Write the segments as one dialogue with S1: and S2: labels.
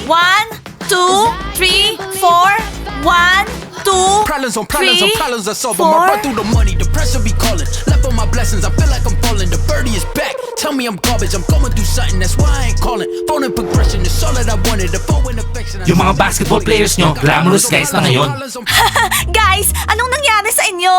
S1: 1, 2, 3, 4. 1, 2,
S2: Problems on problems on
S1: 3,
S2: problems I solve
S1: 4.
S2: them. I run through the money, the pressure be calling. Left on my blessings, I feel like I'm falling. The birdie is back. Tell me I'm garbage, I'm going through something. That's why I ain't calling. Phone and progression is all that I wanted. The phone and affection.
S3: Yung mga basketball players nyo, glamorous guys na ngayon.
S1: Guys, anong nangyari sa inyo?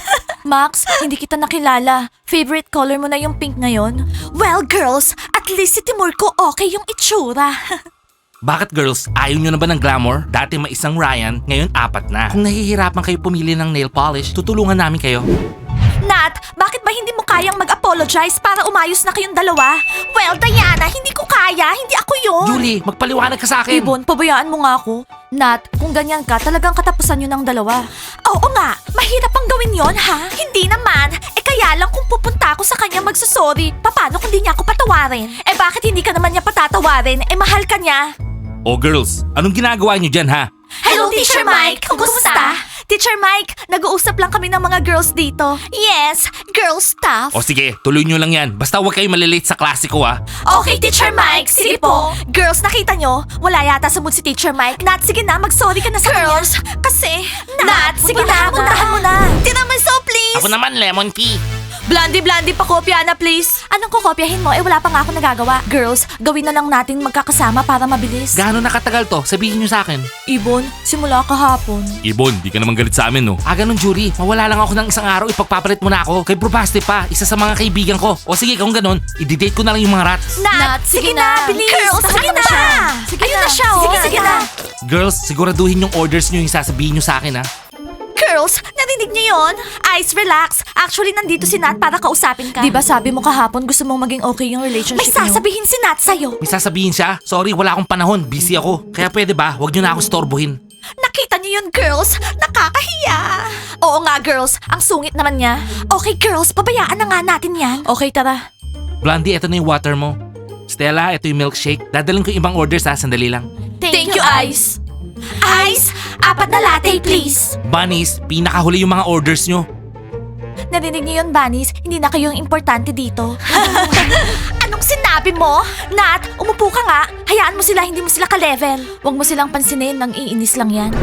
S1: Max, hindi kita nakilala. Favorite color mo na yung pink ngayon? Well, girls, at least si Timur ko okay yung itsura.
S3: Bakit girls, ayaw nyo na ba ng glamour? Dati may isang Ryan, ngayon 4 na. Kung nahihirapan kayo pumili ng nail polish, tutulungan namin kayo.
S1: Nat, bakit ba hindi mo kayang mag-apologize para umayos na kayong dalawa? Well, Diana, hindi ko kaya. Hindi ako yun.
S3: Julie, magpaliwanag ka sa akin.
S1: Ibon, pabayaan mo nga ako. Nat, kung ganyan ka, talagang katapusan yun ng dalawa. Oo nga, mahirap ang gawin yon ha? Hindi naman. Kaya lang kung pupunta ako sa kanya magsasorry, paano kung di niya ako patawarin? Bakit hindi ka naman niya patatawarin? Mahal ka niya.
S3: Oh girls, anong ginagawa nyo dyan ha?
S1: Hello, Teacher Mike! Kumusta? Teacher Mike, nag-uusap lang kami ng mga girls dito. Yes, girl stuff.
S3: O sige, tuloy nyo lang yan. Basta huwag kayo malilate sa klase ko ha.
S1: Okay, Teacher Mike, sige po. Girls, nakita nyo? Wala yata sa mood si Teacher Mike. Nat, sige na, mag-sorry ka na sa girls, kanya. Kasi, Nat, sige na, puntahan mo na. Tiramisu, please!
S3: Ako naman, lemon tea.
S1: Blondie, pakopya na please. Anong kukopyahin mo? Wala pa nga ako nagagawa. Girls, gawin na lang natin magkakasama para mabilis.
S3: Gaano nakatagal to? Sabihin nyo sa akin.
S1: Ibon, simula kahapon.
S3: Ibon, di ka naman galit sa amin no? Ganun Julie, mawala lang ako ng isang araw, ipagpapalit mo na ako. Kay Probaste pa, isa sa mga kaibigan ko. O sige, kung ganun, i-date ko na lang yung mga rats.
S1: Nat, sige na, bilis. Girls, sige na. Ayun na siya, oh. Sige na.
S3: Girls, siguraduhin yung orders nyo yung sasabihin nyo sa akin ha.
S1: Girls, narinig niyo yon? Ice, relax. Actually, nandito si Nat para kausapin ka. Di ba sabi mo kahapon gusto mong maging okay yung relationship niyo? May sasabihin si Nat sa'yo.
S3: May sasabihin siya, sorry wala akong panahon, busy ako. Kaya pwede ba, huwag nyo na ako storbohin.
S1: Nakita niyo yun, girls? Nakakahiya. Oo nga, girls. Ang sungit naman niya. Okay, girls, pabayaan na nga natin yan. Okay, tara.
S3: Blondie, eto na yung water mo. Stella, eto yung milkshake. Dadalhin ko yung ibang orders ha, sandali lang.
S1: Thank you, Ice. Ice, 4 na latte, please.
S3: Bunnies, pinakahuli yung mga orders nyo.
S1: Narinig niyo yun, Bunnies? Hindi na kayo yung importante dito. Anong sinabi mo? Nat, umupo ka nga. Hayaan mo sila, hindi mo sila ka-level. Huwag mo silang pansinin, nang iinis lang yan.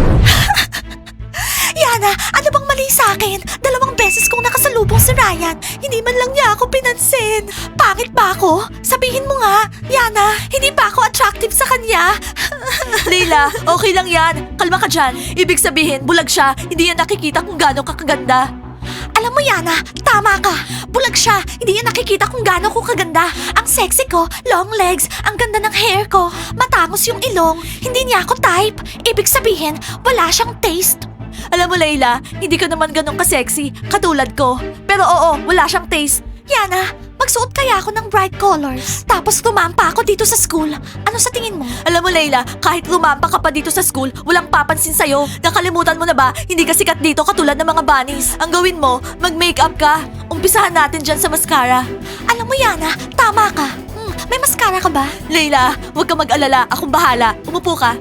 S1: Yana, ano bang mali sa akin? 2 beses kong nakasalubong si Ryan. Hindi man lang niya ako pinansin. Pangit ba ako? Sabihin mo nga. Yana, hindi ba ako attractive sa kanya? Leila, okay lang yan. Kalma ka dyan. Ibig sabihin, bulag siya. Hindi yan nakikita kung gaano ka kaganda. Alam mo, Yana, tama ka. Bulag siya. Hindi niya nakikita kung gaano ko kaganda. Ang sexy ko, long legs, ang ganda ng hair ko, matangos yung ilong. Hindi niya ako type. Ibig sabihin, wala siyang taste. Alam mo, Layla, hindi ka naman ganun ka-sexy, katulad ko. Pero oo, wala siyang taste. Yana, magsuot kaya ako ng bright colors. Tapos lumampa ako dito sa school. Ano sa tingin mo? Alam mo, Layla, kahit lumampa ka pa dito sa school, walang papansin sa'yo. Nakalimutan mo na ba, hindi ka sikat dito katulad ng mga bunnies. Ang gawin mo, mag-makeup ka. Umpisahan natin dyan sa mascara. Alam mo, Yana, tama ka. May mascara ka ba? Layla, huwag ka mag-alala. Akong bahala. Umupo ka.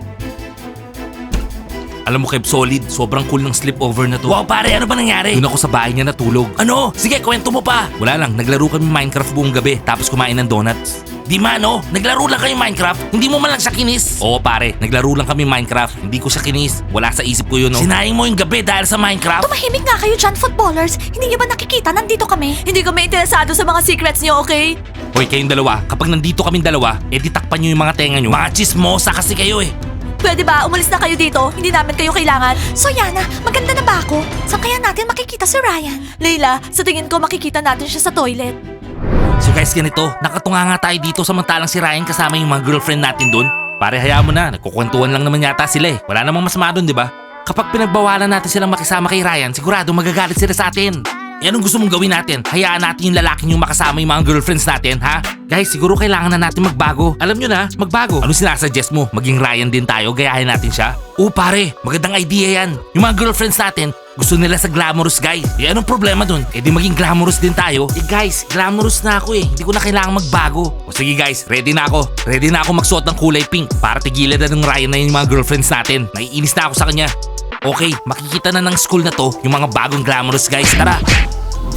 S3: Alam mo Kev, solid. Sobrang cool ng sleepover na to. Wow pare, ano ba nangyari? Doon ako sa bahay niya natulog. Ano? Sige, kwento mo pa. Wala lang, naglaro kami Minecraft buong gabi tapos kumain ng donuts. Di man no? Naglaro lang kayo Minecraft? Hindi mo man lang siya kinis? Oo pare, naglaro lang kami Minecraft. Hindi ko siya kinis. Wala sa isip ko yun no? Sinayang mo yung gabi dahil sa Minecraft?
S1: Tumahimik nga kayo dyan, footballers. Hindi niyo ba nakikita? Nandito kami. Hindi kami interesado sa mga secrets niyo, okay?
S3: Hoy, kayong dalawa, kapag nandito kaming dalawa, takpan nyo yung mga tenga nyo. Mga chismosa kasi kayo eh.
S1: Pwede ba? Umalis na kayo dito. Hindi namin kayo kailangan. So Yana, maganda na ba ako? Saan kaya natin makikita si Ryan? Layla, sa tingin ko makikita natin siya sa toilet.
S3: So guys, ganito, nakatunga nga tayo dito samantalang si Ryan kasama yung mga girlfriend natin doon. Pare, hayaan mo na, nagkukwentuhan lang naman yata sila eh. Wala namang masama doon, di ba? Kapag pinagbawalan natin silang makisama kay Ryan, sigurado magagalit sila sa atin. Anong gusto mong gawin natin? Hayaan natin yung lalaking yung makasama yung mga girlfriends natin, ha? Guys, siguro kailangan na natin magbago. Alam nyo na, magbago. Ano sinasuggest mo? Maging Ryan din tayo? Gayahin natin siya? Oo pare, magandang idea yan. Yung mga girlfriends natin, gusto nila sa glamorous guy. Anong problema dun? Di maging glamorous din tayo. Guys, glamorous na ako eh. Hindi ko na kailangan magbago. O sige guys, ready na ako. Ready na ako magsuot ng kulay pink para tigilan na ng Ryan na yung mga girlfriends natin. Naiinis na ako sa kanya. Okay, makikita na ng school na to yung mga bagong glamorous guys. Tara!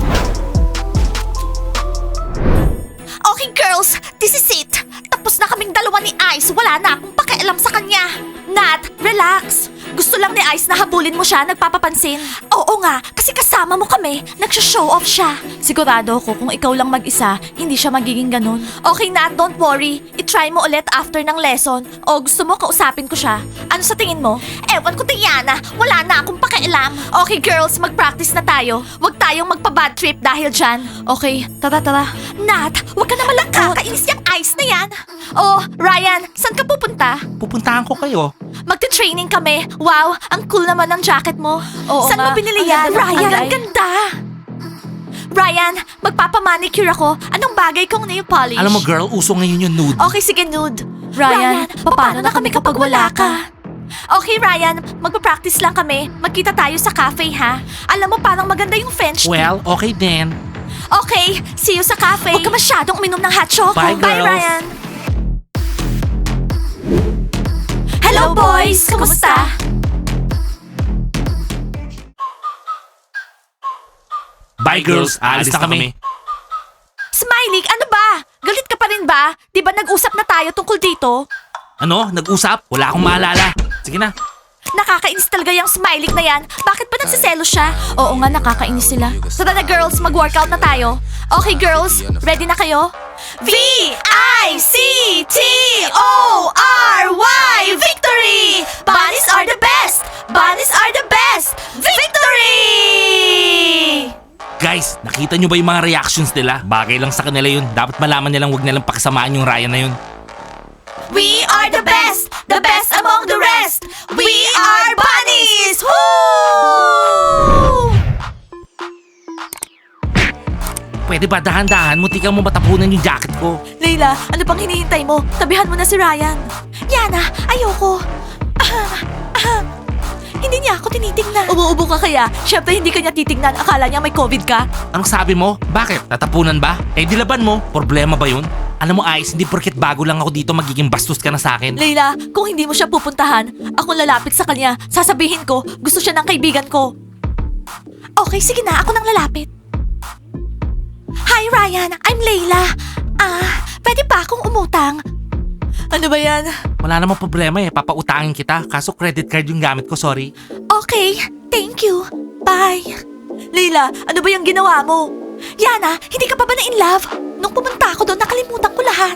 S1: Okay girls, this is it. Tapos na kaming dalawa ni Ice, wala na akong pakialam sa kanya. Nat, relax. Gusto lang ni Ice na habulin mo siya, nagpapapansin. Oo nga, kasi kasama mo kami, nagsha-show off siya. Sigurado ako kung ikaw lang mag-isa, hindi siya magiging ganun. Okay Nat, don't worry. I-try mo ulit after ng lesson. O gusto mo kausapin ko siya? Ano sa tingin mo? Ewan ko Diana, wala na akong pakialam. Okay girls, mag-practice na tayo. Huwag tayong magpa-bad trip dahil dyan. Okay, tara. Nat, huwag ka na malangkot. Kakainis yung Ice na yan. Oh, Ryan, saan ka pupunta?
S3: Pupuntahan ko kayo.
S1: Magte-training kami. Wow, ang cool naman ng jacket mo.
S4: Oo
S1: Saan
S4: nga.
S1: mo binili
S4: Ang
S1: yan?
S4: ganda ng
S1: Ryan,
S4: kulay.
S1: ang ganda. Ryan, magpapamanicure ako. Anong bagay kong nail polish?
S3: Alam mo girl, uso ngayon yung nude.
S1: Okay, sige, nude.
S4: Ryan, paano na kami kapag wala ka?
S1: Okay, Ryan, magpa-practice lang kami. Magkita tayo sa cafe, ha? Alam mo, parang maganda yung French tea.
S3: Well, okay din.
S1: Okay, see you sa cafe. Huwag ka masyadong uminom ng hot choco.
S3: Bye,
S1: Bye,
S3: girls.
S1: Ryan. Hello, boys! Kamusta?
S3: Bye girls, alis na kami.
S1: Smiley, ano ba? Galit ka pa rin ba? Di ba nag-usap na tayo tungkol dito?
S3: Ano? Nag-usap? Wala akong maalala. Sige na.
S1: Nakakainis talaga yung Smiley na yan. Bakit ba nagsiselo siya?
S4: Oo nga, nakakainis sila.
S1: Tara na girls, mag-workout na tayo. Okay girls, ready na kayo? V-I-C-T-O-R-Y Victory! Bunnies are the best! Bunnies are the best! Victory!
S3: Guys, nakita nyo ba yung mga reactions nila? Bagay lang sa kanila yun. Dapat malaman nilang wag nilang pakisamaan yung Ryan na yun.
S1: We are the best among the rest. We are bunnies. Woo!
S3: Pwede ba dahan-dahan? Muntikan mo matapunan yung jacket ko.
S1: Leila, ano pang hinihintay mo? Tabihan mo na si Ryan. Yana, ayoko. Hindi niya ako tinitingnan. Umuubo ka kaya? Siyempre hindi ka niya titingnan. Akala niya may COVID ka.
S3: Anong sabi mo? Bakit? Tatapunan ba? Eh dilaban mo. Problema ba yun? Alam mo Ice, hindi porket bago lang ako dito magiging bastos ka na sa akin.
S1: Leila, kung hindi mo siya pupuntahan, ako lalapit sa kanya. Sasabihin ko, gusto siya ng kaibigan ko. Okay, sige na. Ako nang lalapit. Hi Ryan, I'm Leila. Pwede ba akong umutang? Ano ba yan?
S3: Wala namang problema eh. Papautangin kita. Kaso credit card yung gamit ko, sorry.
S1: Okay, thank you. Bye. Leila, ano ba yung ginawa mo? Yana, hindi ka pa ba na in love? Nung pumunta ako doon, nakalimutan ko lahat.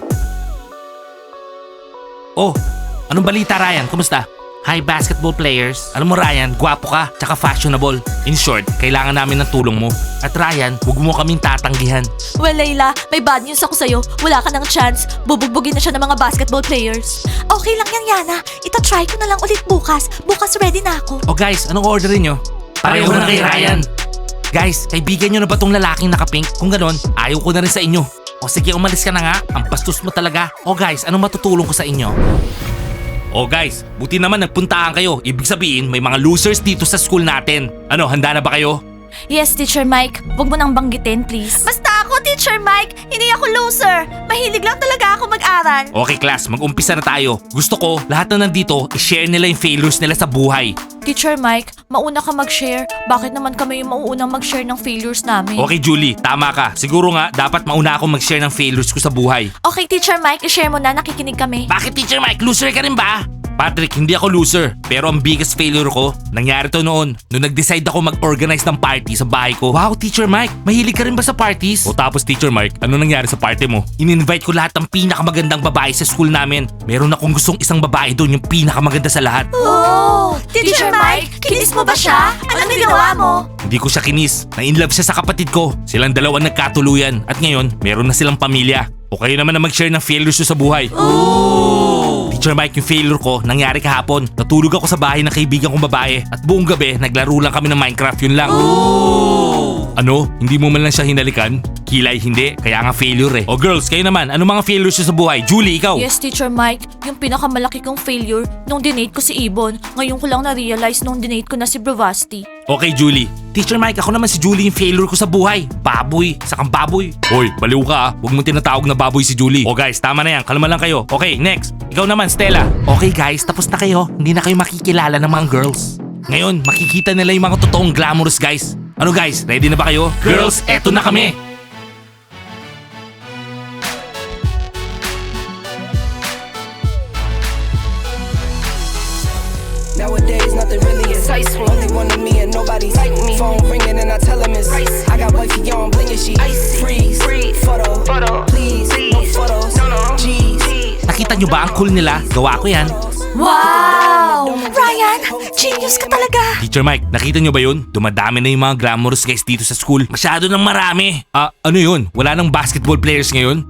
S3: Oh, anong balita Ryan? Kumusta? Hi basketball players. Alam mo Ryan, gwapo ka, tsaka fashionable. In short, kailangan namin ng tulong mo. At Ryan, huwag mo kaming tatanggihan.
S1: Well, Leila, may bad news ako sa'yo. Wala ka ng chance. Bubugbugin na siya ng mga basketball players. Okay lang yan, Yana. Ita-try ko na lang ulit bukas. Bukas ready na ako.
S3: Oh guys, anong orderin nyo? Pareho na kay Ryan. Guys, kaibigan nyo na ba tong lalaking nakapink? Kung ganon, ayaw ko na rin sa inyo. O sige, umalis ka na nga. Ang bastos mo talaga. O guys, anong matutulong ko sa inyo? O guys, buti naman nagpuntaan kayo. Ibig sabihin, may mga losers dito sa school natin. Ano, handa na ba kayo?
S4: Yes, Teacher Mike. Huwag mo nang banggitin, please.
S1: Basta ako, Teacher Mike. Hindi ako loser. Mahilig lang talaga ako mag-aral.
S3: Okay class, mag-umpisa na tayo. Gusto ko, lahat na nandito, i-share nila yung failures nila sa buhay.
S4: Teacher Mike, mauna ka mag-share. Bakit naman kami yung mauunang mag-share ng failures namin?
S3: Okay Julie, tama ka. Siguro nga, dapat mauna akong mag-share ng failures ko sa buhay.
S1: Okay, Teacher Mike, i-share mo na. Nakikinig kami.
S3: Bakit Teacher Mike, loser ka rin ba? Patrick, hindi ako loser. Pero ang biggest failure ko, nangyari to noon. Nung nag-decide ako mag-organize ng party sa bahay ko. Wow, Teacher Mike, mahilig ka rin ba sa parties? O tapos Teacher Mike, ano nangyari sa party mo? In-invite ko lahat ng pinakamagandang babae sa school namin. Meron akong gustong isang babae doon, yung pinakamaganda sa lahat.
S1: Oh! Teacher Mike, kinis mo ba siya? Anong ginawa mo?
S3: Hindi ko siya kinis. Na-inlove siya sa kapatid ko. Silang dalawa nagkatuluyan. At ngayon, meron na silang pamilya. O kayo naman na mag-share ng failures nyo sa buhay. Ooh! Teacher Mike, yung failure ko, nangyari kahapon. Natulog ako sa bahay ng kaibigan kong babae. At buong gabi, naglaro lang kami ng Minecraft. Yun lang. Ooh! Ano? Hindi mo man lang siya hinalikan? Kilay, hindi. Kaya nga failure eh. O girls, kayo naman. Ano mga failures nyo sa buhay? Julie, ikaw?
S4: Yes, Teacher Mike. Yung pinakamalaki kong failure nung dinate ko si Ibon. Ngayon ko lang na-realize nung dinate ko na si Bravasti.
S3: Okay, Julie. Teacher Mike, ako naman si Julie yung failure ko sa buhay. Baboy. Sakang baboy. Hoy, baliw ka ah. Huwag mong tinatawag na baboy si Julie. O guys, tama na yan. Kalma lang kayo. Okay, next. Ikaw naman, Stella. Okay guys, tapos na kayo. Hindi na kayo makikilala ng mga girls. Ngayon, makikita nila yung mga totoong glamorous guys. Ano guys, ready na ba kayo? Girls, eto na kami.
S5: Nowadays, nothing really excites me. Only one of me and nobody's like me. Phone ringing and I tell him it's icy. I got wifey on bling and she icy. Freeze, photo, please, no photos, G's.
S3: Nakita nyo ba ang cool nila? Gawa ko yan.
S1: Wow! Ryan, genius ka talaga.
S3: Teacher Mike, nakita nyo ba yun? Dumadami na yung mga glamorous guys dito sa school. Masyado nang marami. Ano yun? Wala nang basketball players ngayon?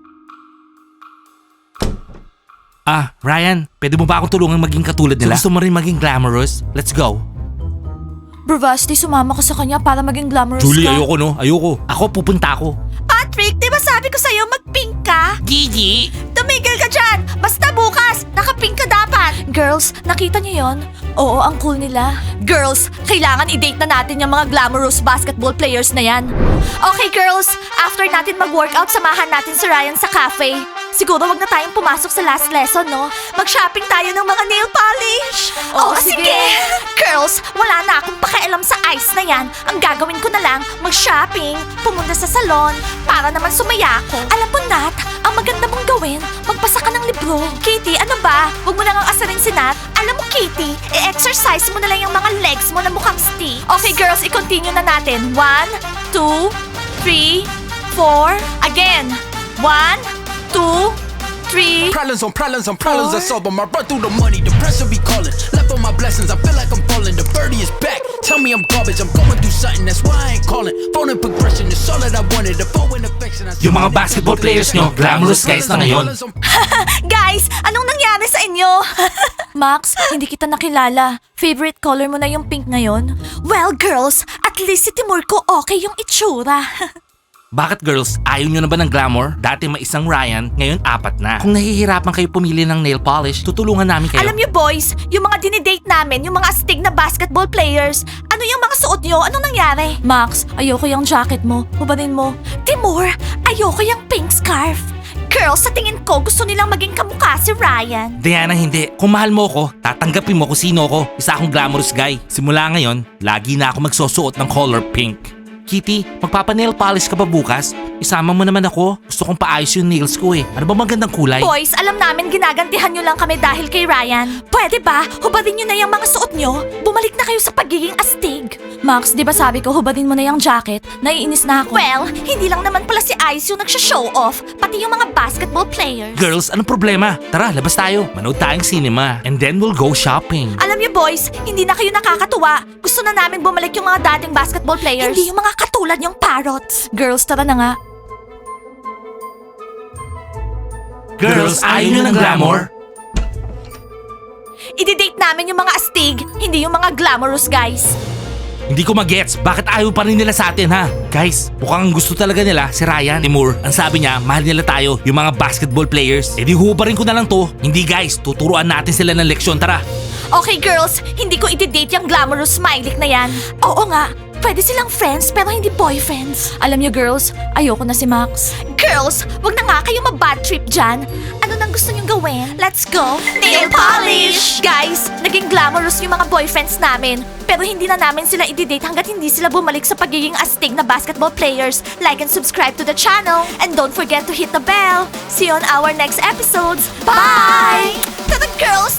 S3: Ryan, pwede mo ba akong tulungan maging katulad nila? Gusto mo rin maging glamorous? Let's go.
S4: Bravasti, sumama ka sa kanya para maging glamorous
S3: Julie,
S4: ka.
S3: ayoko no. Ayoko. Ako, pupunta ako.
S1: Patrick, di ba sabi ko sa'yo mag-pink ka?
S3: Gigi!
S1: Tumigil ka dyan! Basta bukas, naka-pink ka dapat!
S4: Girls, nakita niyo yon? Oo, ang cool nila.
S1: Girls, kailangan i-date na natin yung mga glamorous basketball players na yan. Okay girls, after natin mag-workout, samahan natin si Ryan sa cafe. Siguro wag na tayong pumasok sa last lesson, no? Mag-shopping tayo ng mga nail polish.
S4: Oo,
S1: sige.
S4: sige.
S1: Girls, wala na akong pakialam sa ice na yan. Ang gagawin ko na lang, mag-shopping, pumunta sa salon, para naman sumaya ako. Alam mo, Nat, ang maganda mong gawin, magbasa ka ng libro. Kitty, ano ba? Huwag mo nang asarin si Nat. Alam mo, Kitty, i-exercise mo na lang yung mga legs mo na mukhang stick. Okay, girls, i-continue na natin. 1, 2, 3, 4. Again. 1, 2, 3.
S2: Problems on problems on problems I solve 'em. I run through the money, the pressure be calling. Left on my blessings, I feel like I'm falling. The birdie is back. Tell me I'm garbage, I'm going through something. That's why I ain't calling. Phone and progression is all that I wanted. The phone and affection.
S3: Yung mga basketball players nyo, glamorous guys na ngayon.
S1: Guys, anong nangyari sa inyo?
S4: Max, hindi kita nakilala. Favorite color mo na yung pink ngayon?
S1: Well, girls, at least si Timur ko okay yung itsura.
S3: Bakit girls? Ayaw nyo na ba ng glamour? Dati may isang Ryan, ngayon 4 na. Kung nahihirapan kayo pumili ng nail polish, tutulungan namin kayo.
S1: Alam niyo boys, yung mga dinidate namin, yung mga astig na basketball players, ano yung mga suot nyo? Anong nangyari?
S4: Max, ayoko yung jacket mo. Hubarin mo.
S1: Timur, ayoko yung pink scarf. Girls, sa tingin ko, gusto nilang maging kamukha si Ryan.
S3: Diana, hindi. Kung mahal mo ko, tatanggapin mo kung sino ko. Isa akong glamorous guy. Simula ngayon, lagi na ako magsusuot ng color pink. Kitty, magpapa-nail polish ka ba bukas? Isama mo naman ako. Gusto kong paayos yung nails ko eh. Ano ba magandang kulay?
S1: Boys, alam namin ginagantihan nyo lang kami dahil kay Ryan. Pwede ba? Hubarin nyo na yung mga suot nyo. Bumalik na kayo sa pagiging astig.
S4: Max, di ba sabi ko hubarin mo na yung jacket? Naiinis na ako.
S1: Well, hindi lang naman pala si Ice yung nagsha-show off, pati yung mga basketball players.
S3: Girls, anong problema? Tara, labas tayo. Manood tayong cinema. And then we'll go shopping.
S1: Alam niyo boys, hindi na kayo nakakatuwa. Gusto na namin bumalik yung mga dating basketball players. Hindi yung mga katulad yung parrots.
S4: Girls, tara na nga.
S3: Girls, ayaw nyo ng glamour?
S1: I-date namin yung mga astig, hindi yung mga glamorous guys.
S3: Hindi ko magets, bakit ayaw pa rin nila sa atin ha? Guys, mukhang gusto talaga nila si Ryan. Timur, ang sabi niya, mahal nila tayo, yung mga basketball players. E di hubarin ko na lang to. Hindi guys, tuturuan natin sila ng leksyon, tara.
S1: Okay girls, hindi ko i-date yung glamorous smiley na yan. Oo nga, pwede silang friends pero hindi boyfriends.
S4: Alam niyo girls, ayoko na si Max.
S1: Girls, wag na nga kayo mabad trip dyan. Ano nang gusto nyong gawin? Let's go! Nail polish! Guys, naging glamorous yung mga boyfriends namin. Pero hindi na namin sila i-date hanggat hindi sila bumalik sa pagiging astig na basketball players. Like and subscribe to the channel. And don't forget to hit the bell. See you on our next episodes. Bye! Tara girls,